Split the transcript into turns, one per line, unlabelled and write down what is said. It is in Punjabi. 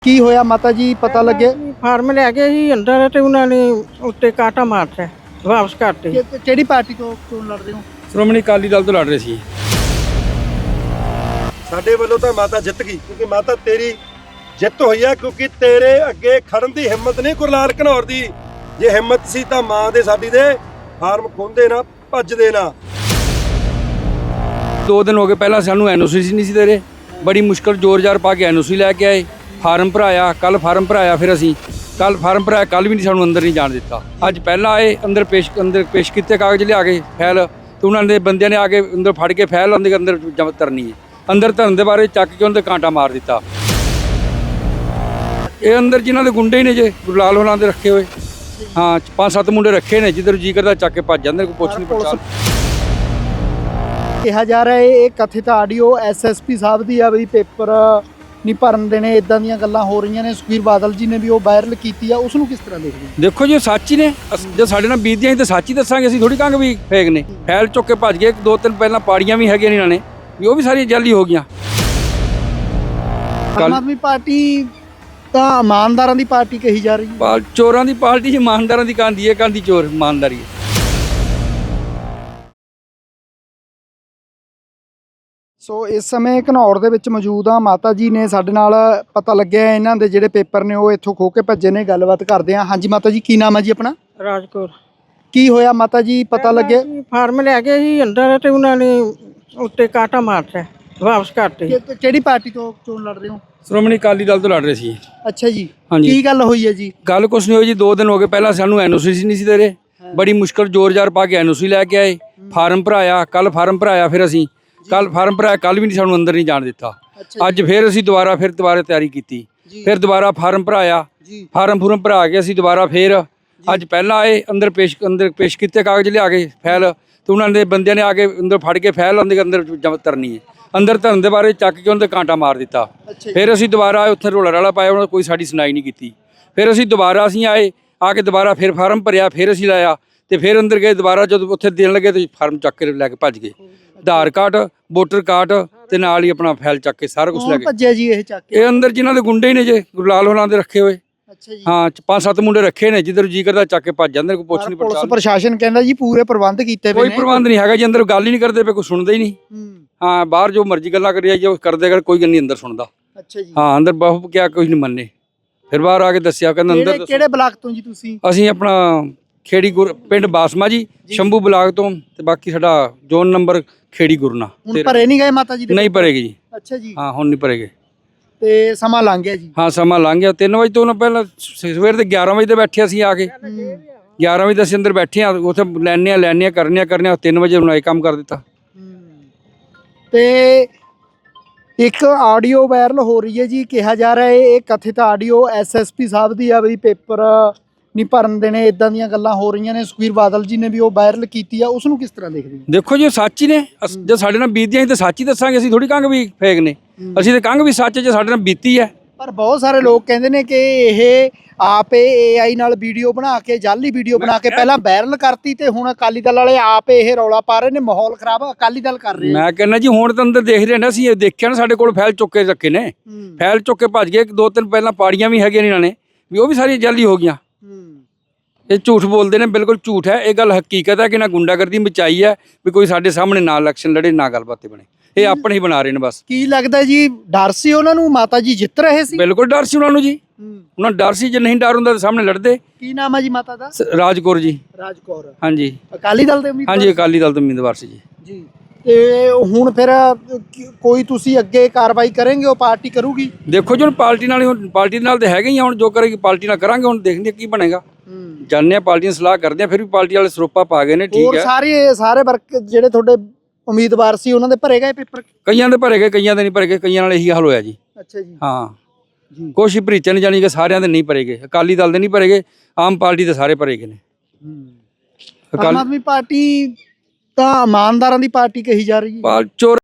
ਕੀ ਹੋਇਆ ਮਾਤਾ ਜੀ ਪਤਾ ਲੱਗਿਆ?
ਫਾਰਮ ਲੈ ਗਏ ਜੀ ਅੰਦਰ ਤੇ ਉਹਨਾਂ ਨੇ ਉੱਤੇ ਕਾਟਾ ਮਾਰਤਾ ਵਾਪਸ ਕਰਤੇ।
ਕਿਹੜੀ ਪਾਰਟੀ ਤੋਂ ਚੋਣ ਲੜ ਰਹੇ ਹੋ?
ਸ਼੍ਰੋਮਣੀ ਅਕਾਲੀ ਦਲ ਤੋਂ ਲੜ ਰਹੇ ਸੀ।
ਸਾਡੇ ਵੱਲੋਂ ਤਾਂ ਮਾਤਾ ਜਿੱਤ ਗਈ ਕਿਉਂਕਿ ਮਾਤਾ ਤੇਰੀ ਜਿੱਤ ਹੋਈ ਆ ਕਿਉਂਕਿ ਤੇਰੇ ਅੱਗੇ ਖੜਨ ਦੀ ਹਿੰਮਤ ਨਹੀਂ ਗੁਰਲਾਲ ਘਨੌਰ ਦੀ। ਜੇ ਹਿੰਮਤ ਸੀ ਤਾਂ ਮਾਂ ਦੇ ਸਾਡੀ ਦੇ ਫਾਰਮ ਖੋਂਦੇ ਨਾ ਭੱਜਦੇ ਨਾ।
2 ਦਿਨ ਹੋ ਗਏ ਪਹਿਲਾਂ ਸਾਨੂੰ ਐਨਓਸੀ ਨਹੀਂ ਸੀ ਦੇ ਰਹੇ, ਬੜੀ ਮੁਸ਼ਕਲ ਜ਼ੋਰ-ਜ਼ਾਰ ਪਾ ਕੇ ਐਨਓਸੀ ਲੈ ਕੇ ਆਏ। ਫਾਰਮ ਭਰਾਇਆ, ਕੱਲ ਫਾਰਮ ਭਰਾਇਆ, ਫਿਰ ਅਸੀਂ ਕੱਲ ਫਾਰਮ ਭਰਾਇਆ, ਕੱਲ ਵੀ ਨਹੀਂ ਸਾਨੂੰ ਅੰਦਰ ਨਹੀਂ ਜਾਣ ਦਿੱਤਾ। ਅੱਜ ਪਹਿਲਾਂ ਆਏ, ਅੰਦਰ ਪੇਸ਼ ਕੀਤੇ ਕਾਗਜ਼ ਲਿਆ ਕੇ ਫਾਈਲ, ਤੇ ਉਹਨਾਂ ਦੇ ਬੰਦਿਆਂ ਨੇ ਆ ਕੇ ਅੰਦਰ ਫੜ ਕੇ ਫਾਈਲ ਉਹਦੇ ਅੰਦਰ ਜਮ੍ਹਾਂ ਕਰਨੀ ਹੈ। ਅੰਦਰ ਧਰਨ ਦੇ ਬਾਰੇ ਚੱਕ ਕੇ ਉਹਦੇ ਕਾਂਟਾ ਮਾਰ ਦਿੱਤਾ। ਇਹ ਅੰਦਰ ਜਿਨ੍ਹਾਂ ਦੇ ਗੁੰਡੇ ਨੇ ਜੇ ਗੁਰਲਾਲ ਹੋਰਾਂ ਦੇ ਰੱਖੇ ਹੋਏ, ਹਾਂ 5-7 ਮੁੰਡੇ ਰੱਖੇ ਨੇ, ਜਿੱਧਰ ਜੀ ਕਰਦਾ ਚੱਕ ਕੇ ਭੱਜ ਜਾਂਦੇ, ਕੋਈ ਪੁੱਛ ਨਹੀਂ ਪੜਤਾਲ।
ਕਿਹਾ ਜਾ ਰਿਹਾ ਇਹ ਕਥਿਤ ਆਡੀਓ ਐਸਐਸਪੀ ਸਾਹਿਬ ਦੀ ਆ ਵੀ ਪੇਪਰ ਨਹੀਂ ਭਰਨ ਦੇਣੇ, ਇਦਾਂ ਦੀਆਂ ਗੱਲਾਂ ਹੋ ਰਹੀਆਂ ਨੇ। ਸੁਖਬੀਰ ਬਾਦਲ ਜੀ ਨੇ ਵੀ ਉਹ ਵਾਇਰਲ ਕੀਤੀ ਆ, ਉਸ ਨੂੰ ਕਿਸ ਤਰ੍ਹਾਂ ਦੇਖਦੇ ਹੋ?
ਦੇਖੋ ਜੀ ਸੱਚ ਹੀ ਨੇ, ਜੇ ਸਾਡੇ ਨਾਲ ਬੀਤਦੀਆਂ ਸੀ ਤਾਂ ਸੱਚ ਹੀ ਦੱਸਾਂਗੇ, ਅਸੀਂ ਥੋੜੀ ਕਹਾਂਗੇ ਵੀ ਫੇਕ ਨੇ। ਫੈਲ ਚੁੱਕ ਕੇ ਭੱਜ ਗਏ। 2-3 ਪਹਿਲਾਂ ਪਾੜੀਆਂ ਵੀ ਹੈਗੀਆਂ ਨੇ ਇਹਨਾਂ ਨੇ, ਵੀ ਉਹ ਵੀ ਸਾਰੀਆਂ ਜਾਲੀ ਹੋ ਗਈਆਂ।
ਆਮ ਆਦਮੀ ਪਾਰਟੀ ਤਾਂ ਇਮਾਨਦਾਰਾਂ ਦੀ ਪਾਰਟੀ ਕਹੀ ਜਾ ਰਹੀ ਹੈ।
ਚੋਰਾਂ ਦੀ ਪਾਰਟੀ, ਇਮਾਨਦਾਰਾਂ ਦੀ ਕਾਂਦੀ ਹੈ, ਕਾਂਦੀ ਚੋਰ ਇਮਾਨਦਾਰੀ ਹੈ।
ਸੋ ਇਸ ਸਮੇਂ ਘਨੌਰ ਦੇ ਵਿੱਚ ਮੌਜੂਦ ਆ ਮਾਤਾ ਜੀ ਨੇ ਸਾਡੇ ਨਾਲ। ਪਤਾ ਲੱਗਿਆ ਇਹਨਾਂ ਦੇ ਜਿਹੜੇ ਪੇਪਰ ਨੇ ਉਹ ਇੱਥੋਂ ਖੋ ਕੇ ਭੱਜੇ ਨੇ। ਗੱਲਬਾਤ ਕਰਦੇ ਆ। ਹਾਂਜੀ ਮਾਤਾ ਜੀ, ਕੀ ਨਾਮ ਹੈ ਜੀ ਆਪਣਾ?
ਰਾਜਕੌਰ।
ਕੀ ਹੋਇਆ ਮਾਤਾ ਜੀ ਪਤਾ ਲੱਗਿਆ?
ਫਾਰਮ ਲੈ ਗਏ ਜੀ ਅੰਦਰ ਤੇ ਉਹਨਾਂ ਨੇ ਉੱਤੇ ਕਾਟਾ ਮਾਰਤਾ ਵਾਪਸ ਕਰਤੇ।
ਕਿਹੜੀ ਪਾਰਟੀ ਤੋਂ ਚੋਣ ਲੜ ਰਹੇ ਹੋ?
ਸ਼੍ਰੋਮਣੀ ਅਕਾਲੀ ਦਲ ਤੋਂ ਲੜ ਰਹੇ ਸੀ।
ਅੱਛਾ ਜੀ,
ਹਾਂਜੀ।
ਕੀ ਗੱਲ ਹੋਈ ਹੈ ਜੀ?
ਗੱਲ ਕੁਛ ਨਹੀਂ ਹੋਈ ਜੀ। 2 ਦਿਨ ਹੋ ਗਏ ਪਹਿਲਾਂ ਸਾਨੂੰ ਐਨਓਸੀ ਨਹੀਂ ਸੀ ਦੇ ਰਹੇ, ਬੜੀ ਮੁਸ਼ਕਲ ਜ਼ੋਰ-ਜ਼ਾਰ ਪਾ ਕੇ ਐਨਓਸੀ ਲੈ ਕੇ ਆਏ। ਫਾਰਮ ਭਰਾਇਆ, ਕੱਲ ਫਾਰਮ ਭਰਾਇਆ, ਫਿਰ ਅਸੀਂ ਕੱਲ ਫਾਰਮ ਭਰਾਇਆ, ਕੱਲ ਵੀ ਨਹੀਂ ਸਾਨੂੰ ਅੰਦਰ ਨਹੀਂ ਜਾਣ ਦਿੱਤਾ। ਅੱਜ ਫਿਰ ਅਸੀਂ ਦੁਬਾਰਾ ਤਿਆਰੀ ਕੀਤੀ, ਫਿਰ ਦੁਬਾਰਾ ਫਾਰਮ ਭਰਾਇਆ। ਫਾਰਮ ਭਰਾ ਕੇ ਅਸੀਂ ਦੁਬਾਰਾ ਫਿਰ ਅੱਜ ਪਹਿਲਾਂ ਆਏ, ਅੰਦਰ ਪੇਸ਼ ਕੀਤੇ ਕਾਗਜ਼ ਲਿਆ ਕੇ ਫਾਈਲ, ਤੇ ਉਹਨਾਂ ਦੇ ਬੰਦਿਆਂ ਨੇ ਆ ਕੇ ਅੰਦਰ ਫੜ ਕੇ ਫਾਈਲ ਉਹਦੇ ਅੰਦਰ ਜਮ੍ਹਾਂ ਕਰਨੀ ਹੈ। ਅੰਦਰ ਧਰਨ ਦੇ ਬਾਰੇ ਚੱਕ ਕੇ ਉਹਦੇ ਕਾਂਟਾ ਮਾਰ ਦਿੱਤਾ। ਫਿਰ ਅਸੀਂ ਦੁਬਾਰਾ ਉੱਥੇ ਰੋਲਾ ਰਾਲਾ ਪਾਇਆ, ਉਹਨਾਂ ਕੋਈ ਸਾਡੀ ਸੁਣਾਈ ਨਹੀਂ ਕੀਤੀ। ਫਿਰ ਅਸੀਂ ਦੁਬਾਰਾ ਆਏ, ਆ ਕੇ ਦੁਬਾਰਾ ਫਿਰ ਫਾਰਮ ਭਰਿਆ, ਫਿਰ ਅਸੀਂ ਲਾਇਆ, ਤੇ ਫਿਰ ਅੰਦਰ ਗਏ। ਦੁਬਾਰਾ ਜਦੋਂ ਉੱਥੇ ਦੇਣ ਲੱਗੇ ਤੇ ਫਾਰਮ ਚੱਕ ਕੇ ਲੈ ਕੇ ਭੱਜ ਗਏ। ਆਧਾਰ ਕਾਰਡ, ਵੋਟਰ ਕਾਰਡ ਤੇ ਨਾਲ ਹੀ ਆਪਣਾ ਫਾਈਲ ਚੱਕ ਕੇ ਸਾਰਾ ਕੁਝ ਲੈ ਗਏ।
ਭੱਜਿਆ ਜੀ ਇਹ ਚੱਕ ਕੇ?
ਇਹ ਅੰਦਰ ਜਿਨ੍ਹਾਂ ਦੇ ਗੁੰਡੇ ਨੇ ਜੇ ਗੁਰਲਾਲ ਹੋਰਾਂ ਦੇ ਰੱਖੇ ਹੋਏ,
ਅੱਛਾ ਜੀ,
ਹਾਂ 5-7 ਮੁੰਡੇ ਰੱਖੇ ਨੇ, ਜਿੱਧਰ ਜੀ ਕਰਦਾ ਚੱਕ ਕੇ ਭੱਜ ਜਾਂਦੇ, ਕੋਈ ਪੁੱਛ ਨਹੀਂ
ਪੁਲਿਸ
ਪੜਤਾਲ।
ਪ੍ਰਸ਼ਾਸਨ ਕਹਿੰਦਾ ਜੀ ਪੂਰੇ ਪ੍ਰਬੰਧ ਕੀਤੇ ਪਏ ਨੇ।
ਕੋਈ ਪ੍ਰਬੰਧ ਨਹੀਂ ਹੈਗਾ ਜੀ, ਅੰਦਰ ਗੱਲ ਹੀ ਨਹੀਂ ਕਰਦੇ ਪਏ, ਕੋਈ ਸੁਣਦਾ ਹੀ ਨਹੀਂ। ਹਾਂ ਬਾਹਰ ਜੋ ਮਰਜ਼ੀ ਗੱਲਾਂ ਕਰੀ ਜਾਈਏ, ਕਰਦੇ ਕਰ, ਕੋਈ ਗੱਲ ਨਹੀਂ ਅੰਦਰ ਸੁਣਦਾ।
ਅੱਛਾ ਜੀ,
ਹਾਂ ਅੰਦਰ ਬਹੁ ਕਿਹਾ ਕੁਝ ਨਹੀਂ ਮੰਨੇ। ਫਿਰ ਬਾਹਰ ਆ ਕੇ ਦੱਸਿਆ, ਕਹਿੰਦਾ ਅੰਦਰ।
ਕਿਹੜੇ ਬਲਾਕ ਤੋਂ ਜੀ ਤੁਸੀਂ?
ਅਸੀਂ ਆਪਣਾ ਖੇੜੀ ਪਿੰਡ ਬਾਸਮਾ ਜੀ, ਸ਼ੰਭੂ ਬਲਾਕ ਤੋਂ, ਤੇ ਬਾਕੀ ਸਾਡਾ ਜ਼ੋਨ ਨੰਬਰ ਖੇੜੀ ਗੁਰਨਾ।
ਹੁਣ ਭਰੇ ਨਹੀਂ ਗਏ ਮਾਤਾ ਜੀ ਦੇ?
ਨਹੀਂ ਭਰੇਗੇ ਜੀ।
ਅੱਛਾ ਜੀ,
ਹਾਂ ਹੁਣ ਨਹੀਂ ਭਰੇਗੇ।
ਤੇ ਸਮਾਂ ਲੰਘ ਗਿਆ ਜੀ?
ਹਾਂ ਸਮਾਂ ਲੰਘ ਗਿਆ। 3 ਵਜੇ ਤੋਂ ਪਹਿਲਾਂ ਸਵੇਰ ਦੇ 11 ਵਜੇ ਤੇ ਬੈਠੇ ਅਸੀਂ ਆ ਕੇ। 11 ਵਜੇ ਅਸੀਂ ਅੰਦਰ ਬੈਠੇ ਆ, ਉੱਥੇ ਲੈਣੇ ਕਰਨੇ 3 ਵਜੇ ਉਹਨਾਂ ਇਹ ਕੰਮ ਕਰ ਦਿੱਤਾ।
ਤੇ ਇੱਕ ਆਡੀਓ ਵਾਇਰਲ ਹੋ ਰਹੀ ਹੈ ਜੀ, ਕਿਹਾ ਜਾ ਰਿਹਾ ਇਹ ਕਥਿਤ ਆਡੀਓ ਐਸਐਸਪੀ ਸਾਹਿਬ ਦੀ ਆ ਵੀ ਪੇਪਰ ਨਹੀਂ ਭਰਨ ਦੇਣੇ, ਇਦਾਂ ਦੀਆਂ ਗੱਲਾਂ ਹੋ ਰਹੀਆਂ ਨੇ। ਸੁਖਬੀਰ ਬਾਦਲ ਜੀ ਨੇ ਵੀ ਉਹ ਵਾਇਰਲ ਕੀਤੀ ਆ, ਉਸ ਨੂੰ ਕਿਸ ਤਰ੍ਹਾਂ ਦੇਖਦੇ ਹੋ?
ਦੇਖੋ ਜੀ ਸੱਚ ਹੀ ਨੇ, ਜੇ ਸਾਡੇ ਨਾਲ ਬੀਤਦੀਆਂ ਸੀ ਤਾਂ ਸੱਚ ਹੀ ਦੱਸਾਂਗੇ, ਅਸੀਂ ਥੋੜੀ ਕਹਾਂਗੇ ਵੀ ਫੇਕ ਨੇ। ਅਸੀਂ ਤਾਂ ਕਹਾਂਗੇ ਵੀ ਸੱਚ ਜੇ ਸਾਡੇ ਨਾਲ ਬੀਤੀ ਹੈ।
ਪਰ ਬਹੁਤ ਸਾਰੇ ਲੋਕ ਕਹਿੰਦੇ ਨੇ ਕਿ ਇਹ ਆਪ AI ਨਾਲ ਵੀਡੀਓ ਬਣਾ ਕੇ, ਜਾਲੀ ਵੀਡੀਓ ਬਣਾ ਕੇ ਪਹਿਲਾਂ ਵਾਇਰਲ ਕਰਤੀ, ਤੇ ਹੁਣ ਅਕਾਲੀ ਦਲ ਵਾਲੇ ਆਪ ਇਹ ਰੌਲਾ ਪਾ ਰਹੇ ਨੇ, ਮਾਹੌਲ ਖਰਾਬ ਅਕਾਲੀ ਦਲ ਕਰ ਰਹੇ।
ਮੈਂ ਕਹਿੰਦਾ ਜੀ ਹੁਣ ਤਾਂ ਅੰਦਰ ਦੇਖ ਰਹੇ ਨੇ, ਅਸੀਂ ਇਹ ਦੇਖਿਆ ਨਾ, ਸਾਡੇ ਕੋਲ ਫਾਈਲ ਚੁੱਕ ਕੇ ਰੱਖੇ ਨੇ, ਫਾਈਲ ਚੁੱਕ ਕੇ ਭੱਜ ਗਏ। 2-3 ਪਹਿਲਾਂ ਪਾੜੀਆਂ ਵੀ ਹੈਗੀਆਂ ਨੇ ਇਹਨਾਂ ਨੇ, ਵੀ ਉਹ ਵੀ ਸਾਰੀਆਂ ਜਾਲੀ ਹੋ ਗਈਆਂ। ਇਹ ਝੂਠ ਬੋਲਦੇ ਨੇ, ਬਿਲਕੁਲ ਝੂਠ ਹੈ। ਇਹ ਗੱਲ ਹਕੀਕਤ ਹੈ ਕਿ ਨਾ ਗੁੰਡਾਗਰਦੀ ਮਚਾਈ ਹੈ, ਵੀ ਕੋਈ ਸਾਡੇ ਸਾਹਮਣੇ ਨਾ ਇਲੈਕਸ਼ਨ ਲੜੇ, ਨਾ ਗੱਲਬਾਤ ਬਣੇ। ਇਹ ਆਪਣੇ ਹੀ ਬਣਾ ਰਹੇ ਨੇ ਬਸ।
ਕੀ ਲੱਗਦਾ ਜੀ, ਡਰ ਸੀ ਉਹਨਾਂ ਨੂੰ? ਮਾਤਾ ਜੀ ਜਿੱਤ ਰਹੇ ਸੀ?
ਬਿਲਕੁਲ ਡਰ ਸੀ ਉਹਨਾਂ ਨੂੰ ਜੀ, ਉਹਨਾਂ ਡਰ ਸੀ। ਜੇ ਨਹੀਂ ਡਰ ਹੁੰਦਾ ਤਾਂ ਸਾਹਮਣੇ ਲੜਦੇ।
ਕੀ ਨਾਮ ਹੈ ਜੀ ਮਾਤਾ ਦਾ?
ਰਾਜਕੌਰ ਜੀ।
ਰਾਜਕੌਰ।
ਹਾਂਜੀ,
ਅਕਾਲੀ ਦਲ ਦੇ ਉਮੀਦਵਾਰ?
ਹਾਂਜੀ ਅਕਾਲੀ ਦਲ ਤੋਂ ਉਮੀਦਵਾਰ ਸੀ ਜੀ।
ਜੀ, ਤੇ ਹੁਣ ਫਿਰ ਕੋਈ ਤੁਸੀਂ ਅੱਗੇ ਕਾਰਵਾਈ ਕਰਨਗੇ? ਉਹ ਪਾਰਟੀ ਕਰੂਗੀ? ਦੇਖੋ
ਜੀ ਹੁਣ ਪਾਰਟੀ ਨਾਲ ਤਾਂ ਹੈਗੇ ਹੀ ਆ, ਹੁਣ ਜੋ ਕਰੇਗੀ ਪਾਰਟੀ ਨਾਲ ਕਰਾਂਗੇ। ਹੁਣ ਦੇਖਦੇ ਕੀ ਬਣੇਗਾ, ਜਾਣਦੇ ਆ, ਪਾਰਟੀਆਂ ਸਲਾਹ ਕਰਦੇ ਆ। ਫਿਰ ਵੀ ਪਾਰਟੀ ਵਾਲੇ ਸਰੋਪਾ ਪਾ ਗਏ ਨੇ, ਠੀਕ ਹੈ।
ਸਾਰੇ ਵਰਕ ਜਿਹੜੇ ਤੁਹਾਡੇ ਉਮੀਦਵਾਰ ਸੀ ਉਹਨਾਂ ਦੇ ਭਰੇ ਗਏ ਪੇਪਰ?
ਕਈਆਂ ਦੇ ਭਰੇ ਗਏ, ਕਈਆਂ ਦੇ ਨਹੀਂ ਭਰੇ ਗਏ। ਕਈਆਂ ਨਾਲ ਇਹੀ ਹਾਲ ਹੋਇਆ ਜੀ।
ਅੱਛਾ ਜੀ,
ਹਾਂ ਕੁਛ ਹੀ ਭਰੀਚੇ ਨੇ, ਜਾਣੀ ਕਿ ਸਾਰਿਆਂ ਦੇ ਨਹੀਂ ਭਰੇ ਗਏ। ਅਕਾਲੀ ਦਲ ਦੇ ਨਹੀਂ ਭਰੇ ਗਏ, ਆਮ ਪਾਰਟੀ ਦੇ ਸਾਰੇ ਭਰੇ ਗਏ ਨੇ।
ਆਮ ਆਦਮੀ ਪਾਰਟੀ ਤਾਂ ਇਮਾਨਦਾਰਾਂ ਦੀ ਪਾਰਟੀ ਕਹੀ ਜਾ ਰਹੀ ਹੈ।
ਚੋਰ